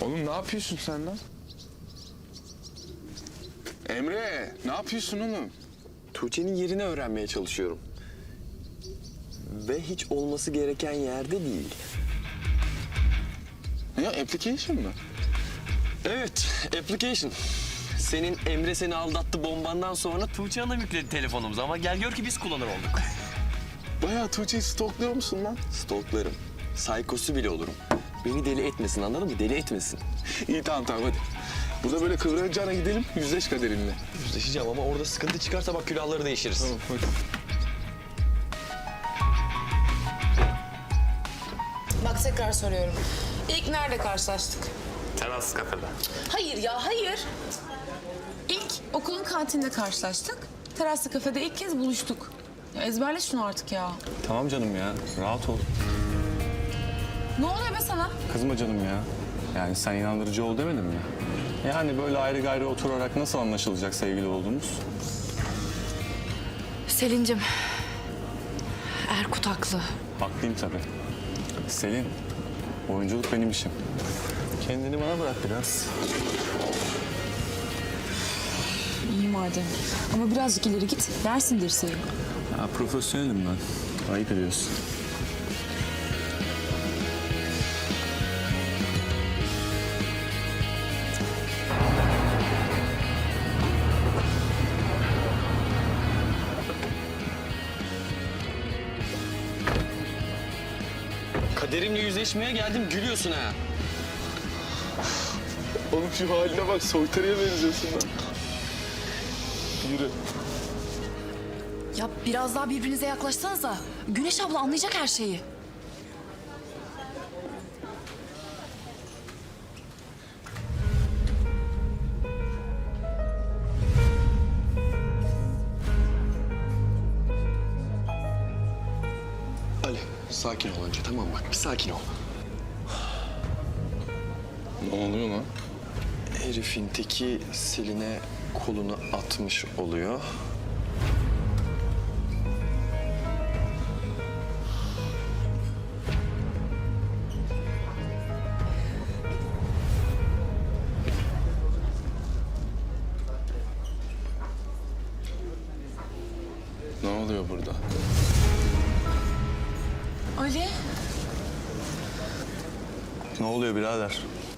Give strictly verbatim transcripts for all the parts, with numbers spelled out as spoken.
Oğlum ne yapıyorsun sen lan? Emre, ne yapıyorsun oğlum? Tuğçe'nin yerini öğrenmeye çalışıyorum. Ve hiç olması gereken yerde değil. Ne ya, application mı? Evet, application. Senin Emre seni aldattı bombandan sonra Tuğçe Hanım yükledi telefonumuza ama gel gör ki biz kullanır olduk. Bayağı Tuğçe'yi stalkluyor musun lan? Stalklarım. Saykosu bile olurum. Beni deli etmesin, anladın mı? Deli etmesin. İyi tamam tamam hadi. Burada böyle kıvranacağına gidelim, yüzleş kaderinle. Yüzleşeceğim ama orada sıkıntı çıkarsa bak külahları değişiriz. Tamam hadi. Bak tekrar soruyorum. İlk nerede karşılaştık? Teras kafede. Hayır ya, hayır. İlk okulun kantinde karşılaştık. Teraslı kafede ilk kez buluştuk. Ya ezberle şunu artık ya. Tamam canım ya, rahat ol. Ne oluyor be sana? Kızma canım ya. Yani sen inandırıcı ol demedin mi? Yani böyle ayrı gayrı oturarak nasıl anlaşılacak sevgili olduğumuz? Selin'cim, Erkut haklı. Haklıyım tabii. Selin, oyunculuk benim işim. Kendini bana bırak biraz. İyi madem. Ama birazcık ileri git. Dersin dirseği. Ya profesyonelim ben. Ayıp ediyorsun. Kaderimle yüzleşmeye geldim, gülüyorsun ha. Oğlum şu haline bak, soytarıya benziyorsun lan. Yürü. Ya biraz daha birbirinize yaklaşsanıza. Güneş abla anlayacak her şeyi. Ali, sakin ol önce, tamam bak, bir sakin ol. Ne oluyor lan? Herifin teki Selin'e kolunu atmış oluyor. Ne oluyor burada? Ali. Ne oluyor birader?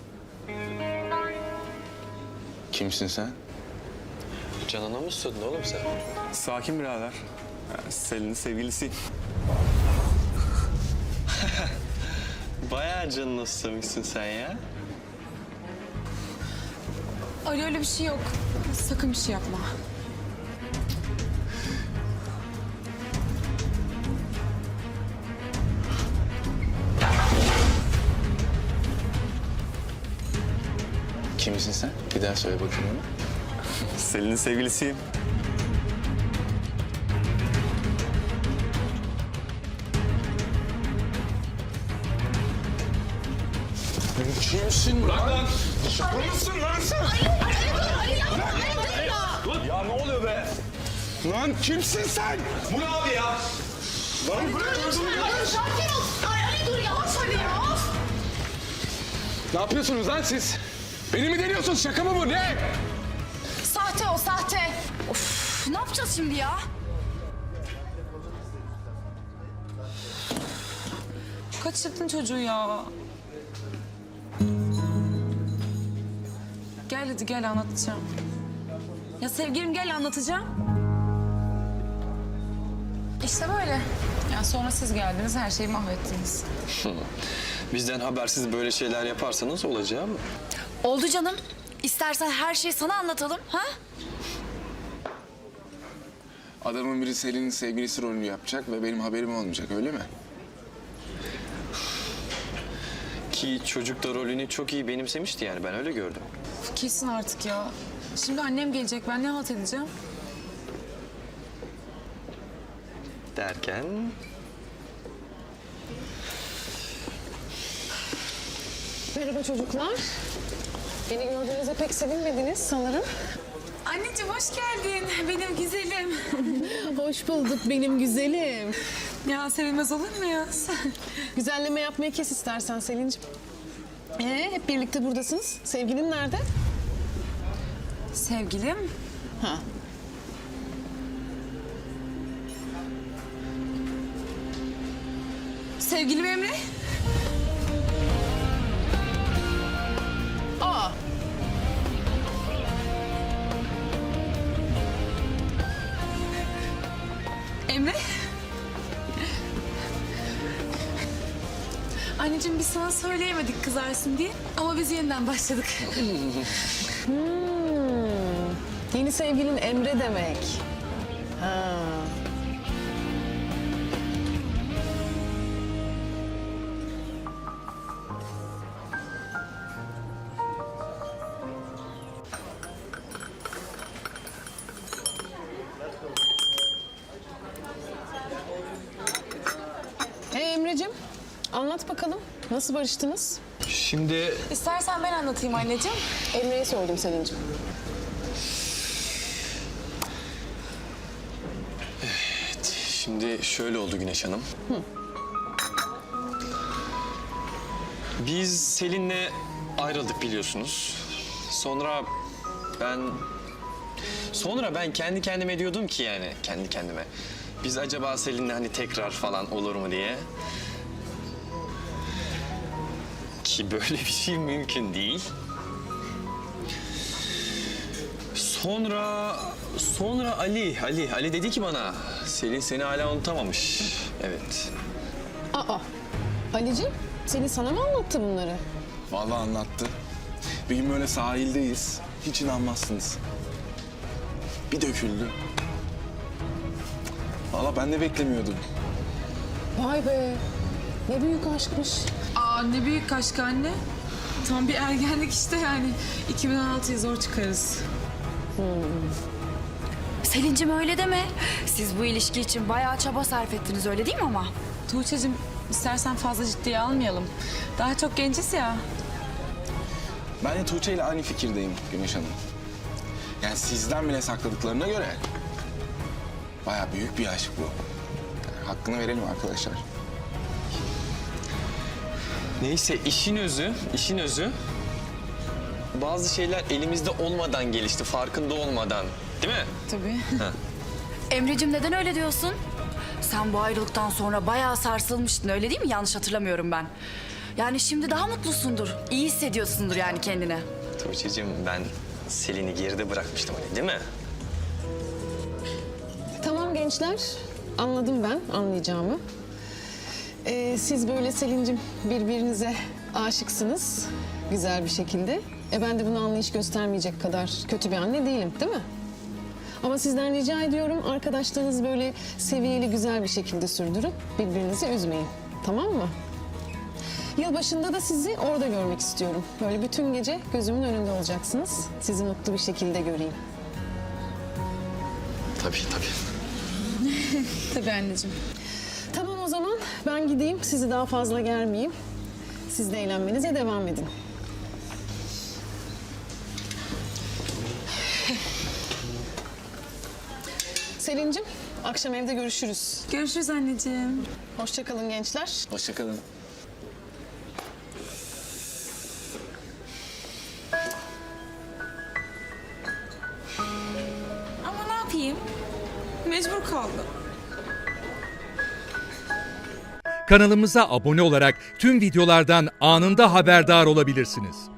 Kimsin sen? Canına mı sığdın oğlum sen? Sakin birader. Ya, Selin'in sevgilisiyim. Bayağı canına susamışsın sen ya. Ali öyle bir şey yok. Sakın bir şey yapma. Kimsin sen? Bir daha söyle bakayım onu. Selin'in sevgilisiyim. Kimsin lan? lan? Şaka mısın lan sen? Ya ne oluyor be? Lan kimsin sen? Bu ne abi ya? Lan bırak gözümü ya. Sakin ol. Ay Ali dur yavaş hadi ya. Ne yapıyorsunuz lan siz? Beni mi deniyorsunuz? Şaka mı bu? Ne? Sahte o sahte. Of ne yapacağız şimdi ya? Kaçırdın çocuğu ya. Gel hadi gel anlatacağım. Ya sevgilim gel anlatacağım. İşte böyle. Yani sonra siz geldiniz her şeyi mahvettiniz. Bizden habersiz böyle şeyler yaparsanız olacağı mı? Oldu canım. İstersen her şeyi sana anlatalım ha? Adamın biri Selin'in sevgilisi rolünü yapacak ve benim haberim olmayacak, öyle mi? Ki çocuk da rolünü çok iyi benimsemişti yani, ben öyle gördüm. Kesin artık ya. Şimdi annem gelecek ben ne halt edeceğim? Derken... Merhaba çocuklar. Beni gördüğünüzde pek sevinmediniz sanırım. Anneciğim hoş geldin. Benim güzelim. Hoş bulduk benim güzelim. Ya sevilmez olur mu ya? Güzelleme yapmayı kes istersen Selin'ciğim. Ee, hep birlikte buradasınız. Sevgilin nerede? Sevgilim. Ha. Sevgilim Emre. Aa. Emre. Anneciğim biz sana söyleyemedik kızarsın diye ama biz yeniden başladık. Hmm. Yeni sevgilin Emre demek. Ha. Ee Emre'cim, anlat bakalım. Nasıl barıştınız? Şimdi İstersen ben anlatayım anneciğim. Emre'ye sordum Selin'cim. Şimdi şöyle oldu Güneş Hanım. Biz Selin'le ayrıldık biliyorsunuz. Sonra ben... Sonra ben kendi kendime diyordum ki yani kendi kendime. Biz acaba Selin'le hani tekrar falan olur mu diye. Ki böyle bir şey mümkün değil. Sonra... Sonra Ali, Ali, Ali dedi ki bana... Selin seni hala unutamamış. Evet. Aa, Ali'cim, Selin sana mı anlattı bunları? Vallahi anlattı. Bir gün böyle sahildeyiz. Hiç inanmazsınız. Bir döküldü. Vallahi ben de beklemiyordum. Vay be, ne büyük aşkmış. Aa ne büyük aşk anne. Tam bir ergenlik işte yani. iki bin on altıya zor çıkarız. Selin'cim öyle deme. Siz bu ilişki için bayağı çaba sarf ettiniz öyle değil mi ama? Tuğçe'cim istersen fazla ciddiye almayalım. Daha çok genciz ya. Ben de Tuğçe ile aynı fikirdeyim Güneş Hanım. Yani sizden bile sakladıklarına göre... bayağı büyük bir aşk bu. Yani hakkını verelim arkadaşlar. Neyse işin özü, işin özü... Bazı şeyler elimizde olmadan gelişti, farkında olmadan. Değil mi? Tabii. Emre'cim neden öyle diyorsun? Sen bu ayrılıktan sonra bayağı sarsılmıştın öyle değil mi? Yanlış hatırlamıyorum ben. Yani şimdi daha mutlusundur. İyi hissediyorsundur yani kendini. Tuğçe'cim ben Selin'i geride bırakmıştım hani değil mi? Tamam gençler, anladım ben anlayacağımı. Ee, siz böyle Selin'cim birbirinize aşıksınız güzel bir şekilde. E ben de bunu anlayış göstermeyecek kadar kötü bir anne değilim, değil mi? Ama sizden rica ediyorum arkadaşlarınız böyle seviyeli güzel bir şekilde sürdürün. Birbirinizi üzmeyin, tamam mı? Yılbaşında da sizi orada görmek istiyorum. Böyle bütün gece gözümün önünde olacaksınız. Sizi mutlu bir şekilde göreyim. Tabii tabii. Tabii anneciğim. Tamam o zaman ben gideyim. Sizi daha fazla germeyeyim. Siz de eğlenmenize devam edin. Selin'cim akşam evde görüşürüz. Görüşürüz anneciğim. Hoşça kalın gençler. Hoşça kalın. Ama ne yapayım? Mecbur kaldım. Kanalımıza abone olarak tüm videolardan anında haberdar olabilirsiniz.